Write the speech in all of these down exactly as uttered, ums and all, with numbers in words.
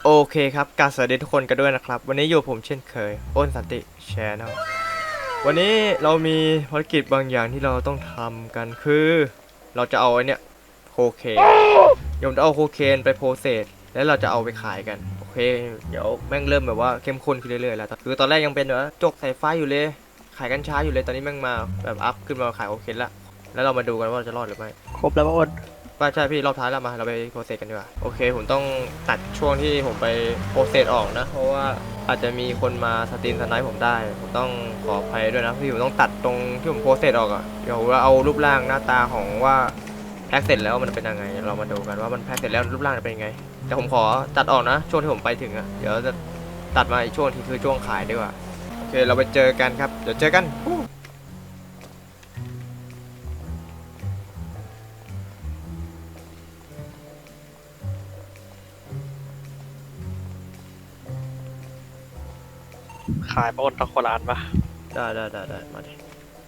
โอเคครับกราบสวัสดีทุกคนกันด้วยนะครับวันนี้อยู่ผมเช่นเคยอ้นสันติแชนแนลวันนี้เรามีภารกิจบางอย่างที่เราต้องทำกันคือเราจะเอาไอ้เนี่ยโคเคนเดี๋ยวผมจะเอาโคเคนไปโปรเซสแล้วเราจะเอาไปขายกันโอเคเดี๋ยวแม่งเริ่มแบบว่าเข้มข้นขึ้นเรื่อยๆแล้วคือตอนแรกยังเป็นแบบจกสายไฟอยู่เลยขายกัญชาอยู่เลยตอนนี้แม่งมาแบบอัพขึ้นมาขายโคเคนละแล้วเรามาดูกันว่าเราจะรอดหรือไม่ครบแล้วป่ะอ้นป้าใช่พี่รอบท้ายแล้วมาเราไปโปรเซสกันดีกว่าโอเคผมต้องตัดช่วงที่ผมไปโปรเซสออกนะเพราะว่าอาจจะมีคนมาสตรีมสไนป์ผมได้ผมต้องขออภัยด้วยนะพี่ผมต้องตัดตรงที่ผมโปรเซสออกอะเดี๋ยวเราเอารูปร่างหน้าตาของว่าแพ็กเสร็จแล้วมันเป็นยังไงเรามาดูกันว่ามันแพ็กเสร็จแล้วรูปร่างจะเป็นยังไงแต่ผมขอตัดออกนะช่วงที่ผมไปถึงอะเดี๋ยวจะตัดมาอีกช่วงที่คือช่วงขายดีกว่าโอเคเราไปเจอกันครับเดี๋ยวเจอกันขายป่ะอ้นต้องคนละอันป่ะได้ได้ได้ได้มาดิ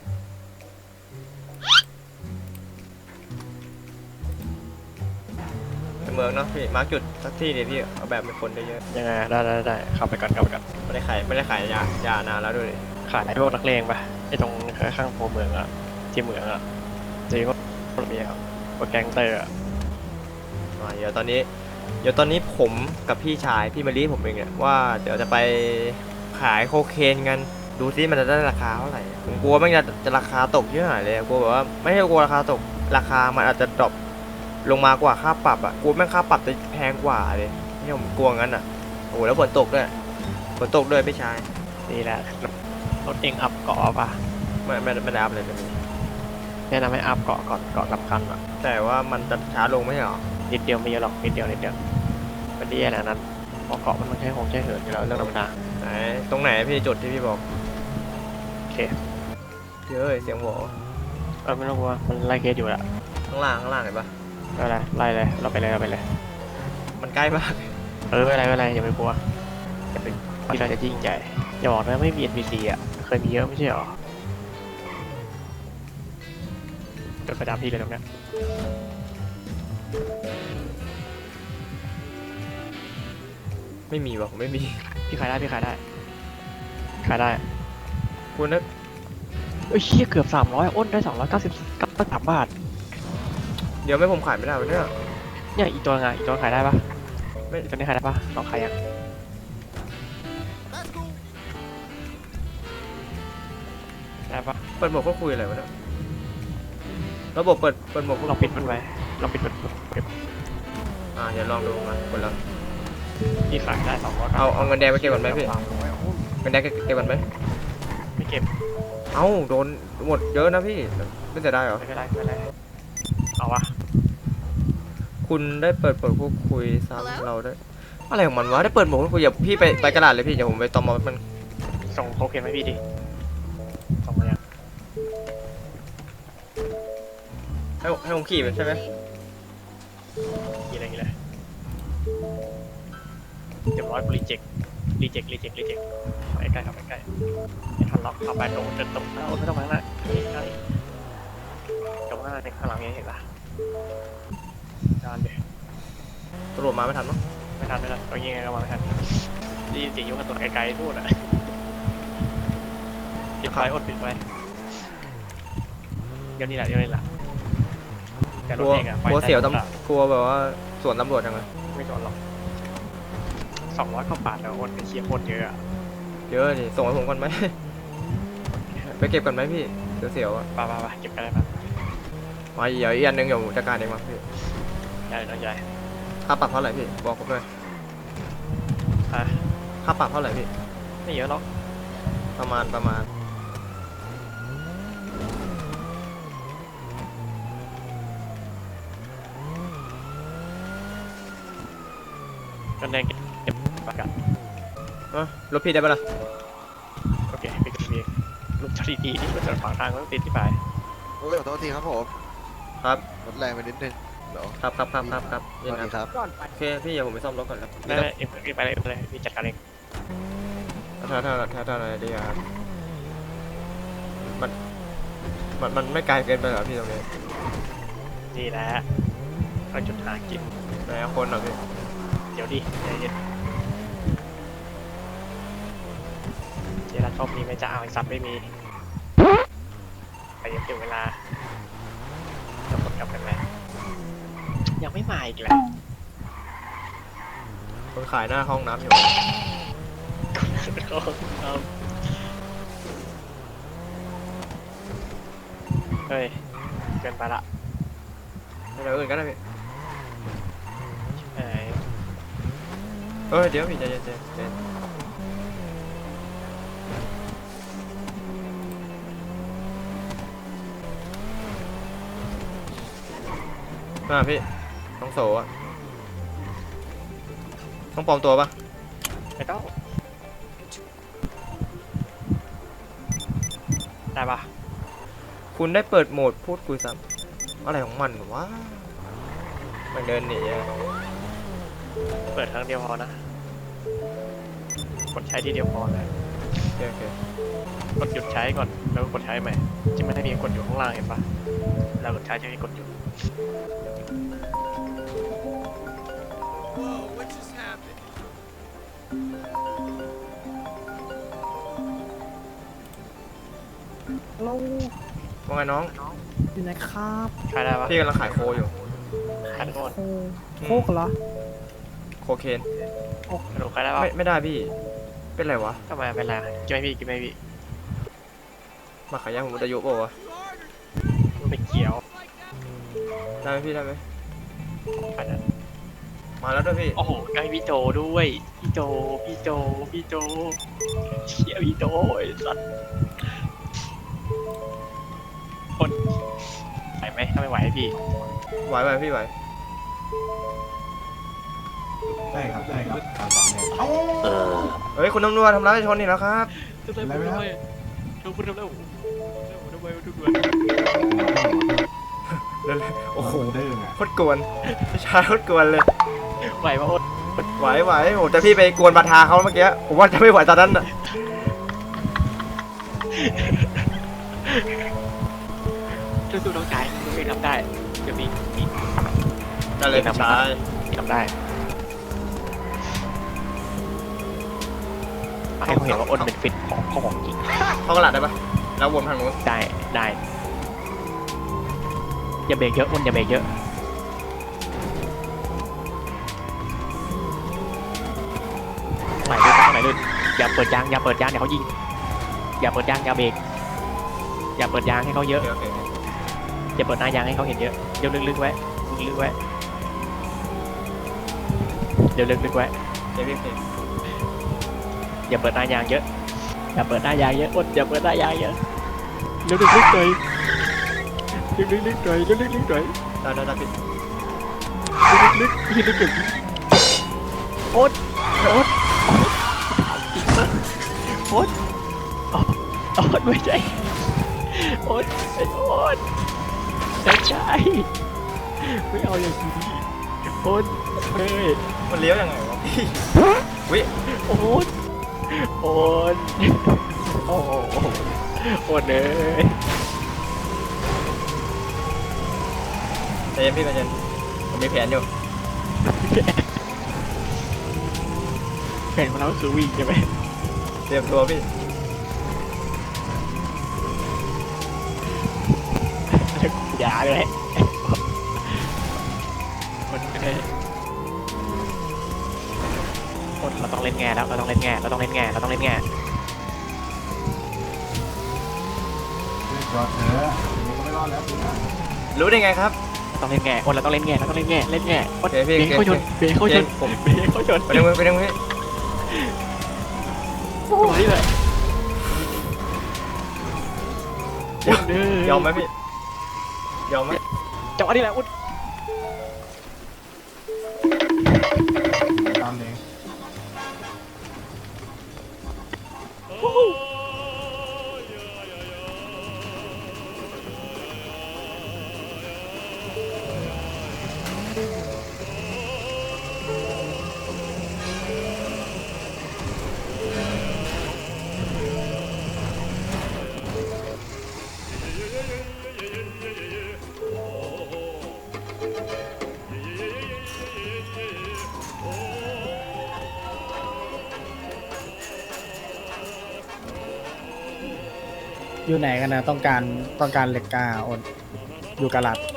เมืองเนาะพี่มาร์กจุดสักที่เดียวพี่เอาแบบเป็นคนได้เยอะยังไงได้ได้ได้เข้าไปก่อนเข้าไปก่อนไม่ได้ขายไม่ได้ขายยายานานแล้วด้วยขายพวกนักเลงป่ะไอ้ตรงข้างๆโพเมืองอะที่เมืองอะจริงว่ามีครับพวกแก๊งเตอร์อะอ่าเดี๋ยวตอนนี้เดี๋ยวตอนนี้ผมกับพี่ชายพี่มารีผมเองเนี่ยว่าเดี๋ยวจะไปขายโคเคนกันดูซิมันจะได้ราคาเท่าไหร่ผมกลัวมันจะจะราคาตกเยอะหน่อยเลยกลัวแบบว่าไม่ใช่กลัวราคาตกราคามันอาจจะดรอปลงมากว่าค่าปรับอ่ะกลัวแม่งค่าปรับจะแพงกว่าเลยนี่ผมกลัวงั้นอ่ะโอ้แล้วฝนตกด้วยฝนตกด้วยพี่ชายนี่แหละรถเองอัพเกาะป่ะไม่ไม่ไม่ได้อัพเลยตรงนี้แนะนำให้อัพเกาะก่อนเกาะสำคัญอะแต่ว่ามันจะช้าลงไม่ใช่หรอนิดเดียวไม่เยอะหรอกนิดเดียวนิดเดียวมันดีอะไรนั้นเพราะเกาะมันต้องใช้หงใช้เหินอยู่แล้วเรื่องธรรมดาไหนตรงไหนพี่จุดที่พี่บอกโอเคเยอะเสียงหวอเออไม่ต้องกลัวมันไล่เคสอยู่ละข้างล่างข้างล่างเห็นปะไม่เป็นไรไล่เลยเราไปเลยเราไปเลยมันใกล้มากเออไม่เป็นไรไม่เป็นไรอย่าไปกลัวอย่าไปที่เราจะยิ่งใหญ่อย่าบอกนะไม่มี เอ็น พี ซี อ่ะเคยมีเยอะไม่ใช่หรอเดินไปตามพี่เลยตรงเนี้ยไม่มีวะผมไม่มีพี่ขายได้พี่ขายได้ขายได้คุณนึกเอ้ยเชี่ยเกือบสามร้อยอ้นได้สองร้อยเก้าสิบเก้าสามบาทเดี๋ยวไม่ผมขายไม่ได้วะเนี่ยเนี่ยอีกตัวไงอีกตัวขายได้ปะไม่ตัวนี้ขายได้ปะลองขายยังได้ปะเปิดโหมดก็คุยอะไรวะเนี่ยระบบเปิดเปิดโหมดลองปิดมันไว้ลองปิดมันอ่าเดี๋ยวลองดูมาคนละพี่ขายได้สองร้อยเอาเอาเงินแดงไปเก็บก่อนไหมพี่เงินแดงเก็บก่อนไหมไม่เก็บเอ้าโดนหมดเยอะนะพี่ไม่จะได้เหรอไม่เป็นไรไม่เป็นไรเอาวะคุณได้เปิดโหมดพูดคุยซ้ำเราได้อะไรของมันวะได้เปิดโหมดพูดคุยอย่าพี่ไปไปกระดาษเลยพี่เดี๋ยวผมไปตอมมันส่งโคเคนให้พี่ดิส่งมายังให้ให้ผมขี่มันใช่ไหมกี่อะไรกี่เลยเรียบร้อยรีเจ็ครีเจ็ครีเจ็ครีเจ็คไปใกล้ครับไปใกล้ไม่ทันล็อกเอาไปตรงเดินตรงหน้าไม่ต้องมาหน้าใกล้ตรงหน้าในข้างหลังนี้เห็นปะจานเดี๋ยวตำรวจมาไม่ทันมั้งไม่ทันไม่ทันเอายิงไงก็มาไม่ทันดีเสียงยุ่งกันตัวไกลๆพูดอ่ะปิดไฟอดปิดไฟเดี๋ยวนี้แหละเดี๋ยวนี้แหละกลัวกลัวเสียวตำกลัวแบบว่าสวนตำรวจยังไงไม่โดนหรอกสองร้อยกว่าบาทแล้วคนไปเชียร์คนเยอะเยอะดิส่งให้ผมก่อนไหมไปเก็บก่อนไหมพี่เสียวๆอ่ะป่าวป่าวเก็บกันได้ป่ะมาเดี๋ยวอีกอันนึงเดี๋ยวจัดการเองมาพี่ใหญ่น้อยใหญ่ค่าปรับเท่าไหร่พี่บอกผมเลยค่าปรับเท่าไหร่พี่ไม่เยอะหรอกประมาณประมาณกันแดงเก็บประกันเออรถพี่ได้ปะล่ะโอเคไปกันดีรถจอดดีๆที่รถจอดขวางทางต้องติดที่ไปโอ้ยขอโทษทีครับผมครับรถแรงไปนิดนึงเดี๋ยวครับครับครับครับครับสวัสดีครับโอเคพี่เดี๋ยวผมไปซ่อมรถก่อนครับไม่ไม่เอ็มไปเลยไปเลยพี่จัดการเองถ้าถ้าถ้าถ้าอะไรดีครับมันมันมันไม่ไกลเกินไปเหรอพี่ตรงนี้นี่แหละเราจุดหากินไหนคนเหรอพี่เดี๋ยวดิใจเย็นรอบนี้ไม่จะเอาไอ้สัตว์ไม่มีแต่ยังถึงเวลาจะหมดกลับกันไหมยังไม่มาอีกแหละคนขายหน้าห้องน้ำอยู่เฮ้ยเกินไปละไม่ได้อื่นก็ได้พี่เอ้ยเออเดี๋ยวพี่ใจเย็นใจเย็นมาพี่ต้องโสอะต้องปลอมตัวปะไม่ต้องได้ปะคุณได้เปิดโหมดพูดคุยซ้ำอะไรของมันวะมันเดินหนีอะเปิดครั้งเดียวพอนะกดใช้ทีเดียวพอเลยโอเคโอเคกดหยุดใช้ก่อนแล้วก็กดใช้ใหม่จะไม่ได้มีกดอยู่ข้างล่างเห็นปะแล้วกดใช้จะมีกดหยุดเราว่าไงน้องอยู่ไหนครับใช้ได้ปะพี่กำลังขายโคอยู่ขายโดนโคโคกเหรอโคเคนกระดูกขายได้ปะไม่ไม่ได้พี่เป็นไรวะทำไมเป็นไรกินไหมพี่กินไหมพี่มาขายยาผมหมดอายุเปล่าวะไม่เกี่ยวได้ไหมพี่ได้ไหมอันนั้นมาแล้วด้วยพี่โอ้โหใกล้พี่โจด้วยพี่โจพี่โจพี่โจเชี่ยพี่โจไอ้สัสคนไหวไหมถ้าไม่ไหวให้พี่ไหวไหวพี่ไหวใช่ครับใช่ครับการสอนเนี่ยเฮ้ยคุณตำรวจทำร้ายประชาชนนี่แล้วครับทำไมทำไมทุกคนทำแล้วทำไมทุกคนโอ้โหเด้งอ่ะโคตรกวนผู้ชายโคตรกวนเลยไหวปะโอ๊ตไหวไหวโอ้แต่พี่ไปกวนบาทาเขาเมื่อกี้ผมว่าจะไม่ไหวตอนนั้นอ่ะสู้ๆน้องชายน้องเองทำได้เดี๋ยวมีมีได้เลยพี่ชายทำได้ให้เขาเห็นว่าอ้นเป็นฟิตของของของจริงเข้ากระดาษได้ปะแล้ววนทางนู้นได้ได้อย่าเบรกเยอะอ้นอย่าเบรกเยอะไหนลื่นไหนลื่นอย่าเปิดยางอย่าเปิดยางเดี๋ยวเขายิงอย่าเปิดยางอย่าเบรกอย่าเปิดยางให้เขาเยโออะเคโอเคอย่าเปิดหน้ายางให้เขาเห็นเยอะเดี๋ยวลึกๆไว้ลึกๆไว้เดี๋ยวลึกๆไว้เดี๋ยวพี่พี่อย่าเปิดหน้ายางเยอะอย่าเปิดหน้ายางเยอะอดอย่าเปิดหน้ายางเยอะเร็วลึกๆหน่อยเร็วลึกๆหน่อยเร็วลึกๆหน่อยได้ได้ได้พี่ลึกๆลึกๆลึกๆอดอดอดอดไม่ใช่อดไอ้อดไม่ใช่ไม่เอาอย่างนี้อดเฮ้ยมันเลี้ยวยังไงวะพี่วิโอ๊ตโอ๊ตโอ้โหโอ๊ตเลยใจเย็นพี่ใจเย็นผมมีแผนอยู่แผนของเราคือวิ่งใช่ไหมเตรียมตัวพี่อย่าเลยคนเลยคนเราต้องเล่นแง่แล้วเราต้องเล่นแง่เราต้องเล่นแง่เราต้องเล่นแง่รอดเถอะยังไม่รอดแล้วพี่นะรู้ได้ไงครับเราต้องเล่นแง่คนเราต้องเล่นแง่เราต้องเล่นแง่เล่นแง่โอเคพี่เบรกเขาชนเบรกเขาชนผมเบรกเขาชนไปดึงมือไปดึงมือพี่ตัวนี้เลยยอมไหมพี่ยอมไหมจังหวะนี้แหละอุ้นตามเองเอยู่ไหนกันนะต้องการต้องการเหล็กกาโอนอยู่กาลัด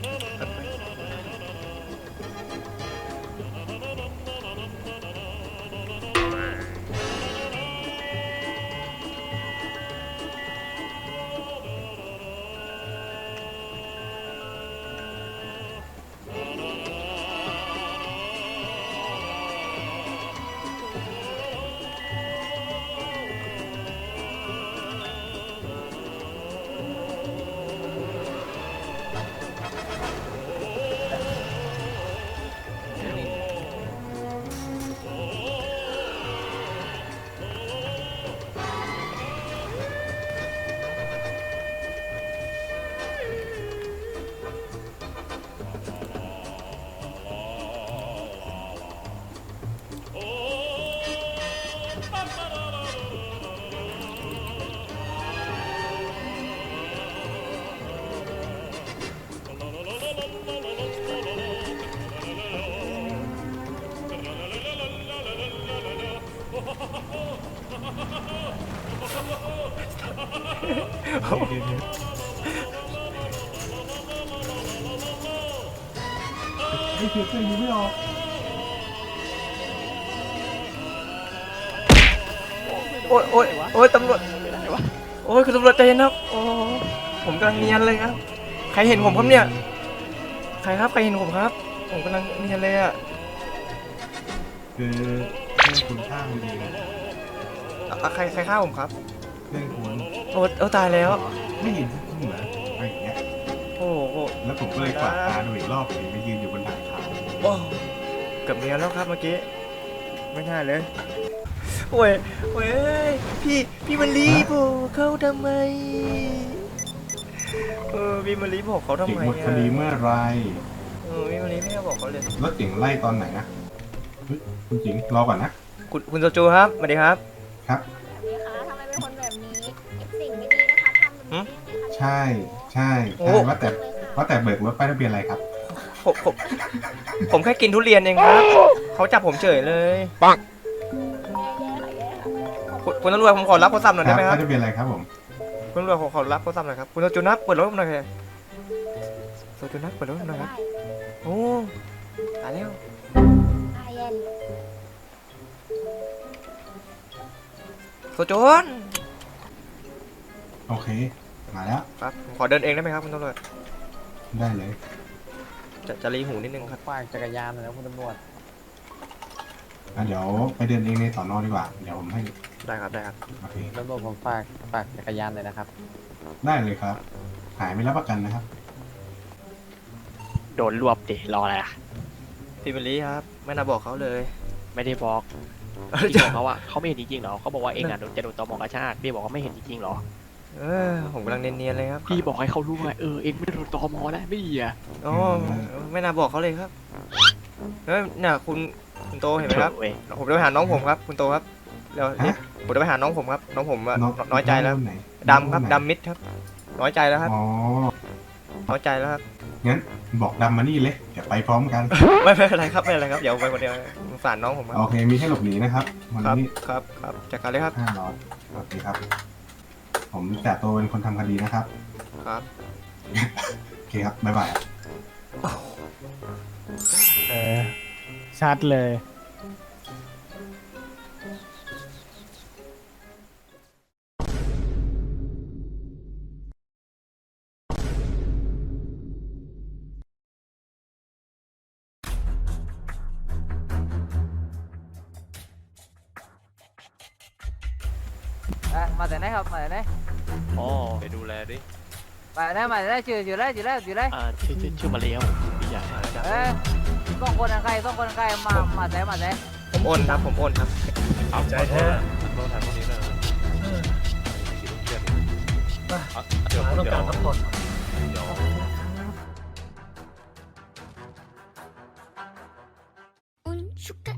ไอ้เสียเส้นยิงไม่ออกโอ้ยโอ้ยโอ้ยตำรวจโอ้ยคุณตำรวจใจเย็นครับโอ้ผมกำลังเนียนเลยครับใครเห็นผมครับเนี่ยใครครับใครเห็นผมครับผมกำลังเนียนเลยอะคือเพื่อนคุณข้ามดีๆนะอ่ะใครใครฆ่าผมครับเพื่อนคุณโอ้โอ้ตายแล้วไม่เห็นสักทีเหรออะไรอย่างเงี้ยโอ้โหแล้วผมก็เลยกวาดตาดูอีกรอบเห็นไปยืนอยู่บนทางเขาโอ้เกือบเนียนแล้วครับเมื่อกี้ไม่น่าเลยโอ้ยโอ้ยพี่พี่มารีบอกเขาทำไมเออพี่มารีบอกเขาทำเก่งไมหมดคอะดีเมื่อไรเออพี่มารีไม่ได้บอกเขาเลยรถเก่งไล่ตอนไหนนะเฮ้ยคุณจิงรอก่อนนะคุณคุณโซจูครับสวัสดีครับครับแบบนี้คะทำไมเป็นคนแบบนี้เก็บสิ่งไม่ดีนะคะทำแบบนี้ใช่ใช่โอ้ใช่ว่าแต่เลยค่ะว่าแต่เบิกรถป้ายทะเบียนอะไรครับผมผมผมแค่กินทุเรียนเองครับเขาจับผมเฉยเลยปังแย่ๆค่ะแย่ค่ะคุณคุณตำรวจผมขอรับโทรศัพท์หน่อยคได้รับไหมครัป้าบยทะเบียนอะไรครับผมคุณตำรวจขอขอรับโทรศัพท์หน่อยครับคุณโซจูนับเปิดรถผมหน่อยครับโซจูนับเปิดรถผมหน่อยครับได้โอ้ตายแล้วอ่ะเย็นโซจูนโอเคมาแล้วครับผมขอเดินเองได้ไหมครับคุณตำรวจได้เลยจะจะรีหูนิดนึงครับฝากจักรยานหน่อยนะคุณตำรวจอ่ะเดี๋ยวไปเดินเองในสอนอดีกว่าเดี๋ยวผมให้ได้ครับได้ครับโอเคตำรวจผมฝากฝากจักรยานเลยนะครับได้เลยครับ หายไม่รับประกันนะครับโดนรวบดิรออะไรอ่ะพี่มารีครับไม่น่าบอกเขาเลยไม่ได้บอกพี่บอกเขาว่าเขาไม่เห็นจริงๆหรอเขาบอกว่าเองอ่ะโดนจะโดนตมกระชากพี่บอกว่าไม่เห็นจริงๆหรอเออผมกำลังเนียนๆเลยครับพี่บอกให้เขารู้ไงเออเองไม่ได้โดนตมแล้วไม่ดีอ่ะโอ้ไม่น่าบอกเขาเลยครับเฮ้ยเนี่ยคุณคุณโตเห็นไหมครับเว้ยผมจะไปหาน้องผมครับ คุณโตครับเดี๋ยวรีบฮะผมจะไปหาน้องผมครับ น้องผมอะน้องน้อยใจแล้วน้องไหนดำครับน้องไหนดำมิดครับ น้อยใจแล้วครับอ๋อน้อยใจแล้วครับงั้นบอกดำมานี่เลย เดี๋ยวไปพร้อมกันไม่ไม่เป็นไรครับไม่เป็นไรครับเดี๋ยวผมไปคนเดียวสงสารน้องผมครับโอเค มีให้หลบหนีนะครับ วันครับนี้ครับครับจัดการเลยครับห้าร้อยโอเคครับ ผมแต่ตัวเป็นคนทำคดีนะครับครับโอเคครับ บ๊ายบายเออ ชัดเลย À, mà tới đây học mà tới đây อ๋อไปดูแลดิ mà tới đây mà tới đây chữ chữ đây chữ đây chữ đây อ่าชื่อชื่อชื่อมาเลี้ยวพี่ใหญ่ ê con con đằng khay con con đằng khay mà mà tới mà tới ผมโอนครับผมโอนครับเอาใจแท้โทษทางพวกนี้นะกี่ลูกเกียร์เดี๋ยวเดี๋ยว Un shuka